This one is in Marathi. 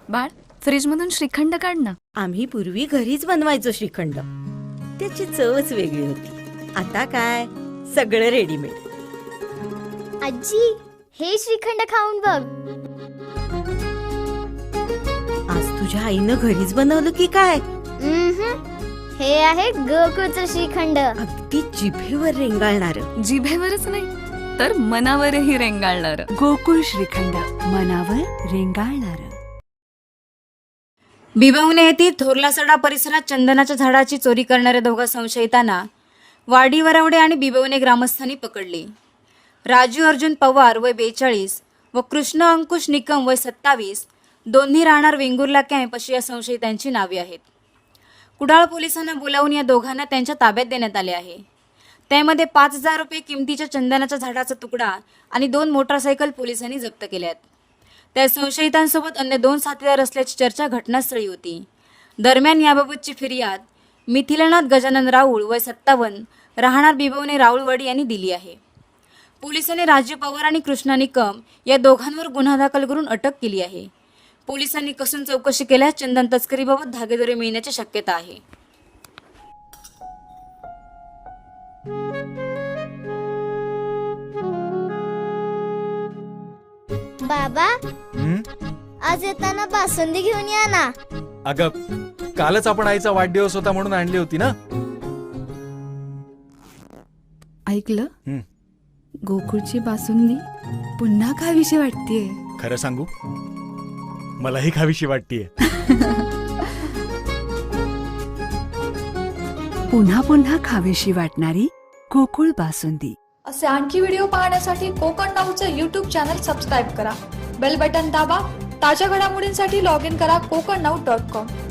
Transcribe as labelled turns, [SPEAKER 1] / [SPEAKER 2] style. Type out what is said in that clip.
[SPEAKER 1] बाळ, फ्रीज मधून श्रीखंड काढ ना.
[SPEAKER 2] आम्ही पूर्वी घरीच बनवायचो श्रीखंड. त्याची चवच वेगळी होती. आता काय सगळं रेडीमेड.
[SPEAKER 3] आजी, हे श्रीखंड खाऊन बघ.
[SPEAKER 2] आज तुझ्या आईनं घरीच बनवलं की काय?
[SPEAKER 3] हे आहे गोकुळचं श्रीखंड.
[SPEAKER 2] अगदी जिभेवर रेंगाळणार.
[SPEAKER 1] जिभेवरच नाही तर मनावरही रेंगाळणार.
[SPEAKER 4] गोकुळ श्रीखंड, मनावर रेंगाळणार.
[SPEAKER 5] बिबवणे येथील थोरलासडा परिसरात चंदनाच्या झाडाची चोरी करणाऱ्या दोघा संशयितांना वाडी वरवडे आणि बिबवणे ग्रामस्थांनी पकडले. राजू अर्जुन पवार वय 42 व कृष्ण अंकुश निकम वय 27, दोन्ही राहणार वेंगुर्ला कॅम्प अशी या संशयितांची नावे आहेत. कुडाळ पोलिसांना बोलावून या दोघांना त्यांच्या ताब्यात देण्यात आले आहे. त्यामध्ये 5,000 रुपये किमतीच्या चंदनाच्या झाडाचा तुकडा आणि 2 मोटारसायकल पोलिसांनी जप्त केल्यात. त्या संशयितांसोबत अन्य 2 साथीदार असल्याची चर्चा घटनास्थळी होती. दरम्यान याबाबतची फिर्याद मिथिलानाथ गजानन राऊळ वय 57 राहणार बिबवणे राऊळवाडी यांनी दिली आहे. पोलिसांनी राजू पवार आणि कृष्णा निकम या दोघांवर गुन्हा दाखल करून अटक केली आहे. पोलिसांनी कसून चौकशी केल्यास चंदन तस्करीबाबत धागेदोरे मिळण्याची शक्यता आहे.
[SPEAKER 3] बाबा, आज येताना बासुंदी घेऊन या ना.
[SPEAKER 6] अगं, कालच आपण आईचा वाढदिवस होता म्हणून आणली होती ना.
[SPEAKER 4] ऐकलं? गोकुळची बासुंदी पुन्हा खावीशी वाटतेय.
[SPEAKER 6] खरं सांगू, मलाही खावीशी वाटतीये.
[SPEAKER 4] पुन्हा पुन्हा खावीशी वाटणारी गोकुळ बासुंदी.
[SPEAKER 7] असे आणखी व्हिडिओ पाहण्यासाठी कोकण नाऊचं यूट्यूब चॅनल सबस्क्राईब करा. बेल बटन दाबा. ताज्या घडामोडींसाठी लॉग इन करा kokarnau.com.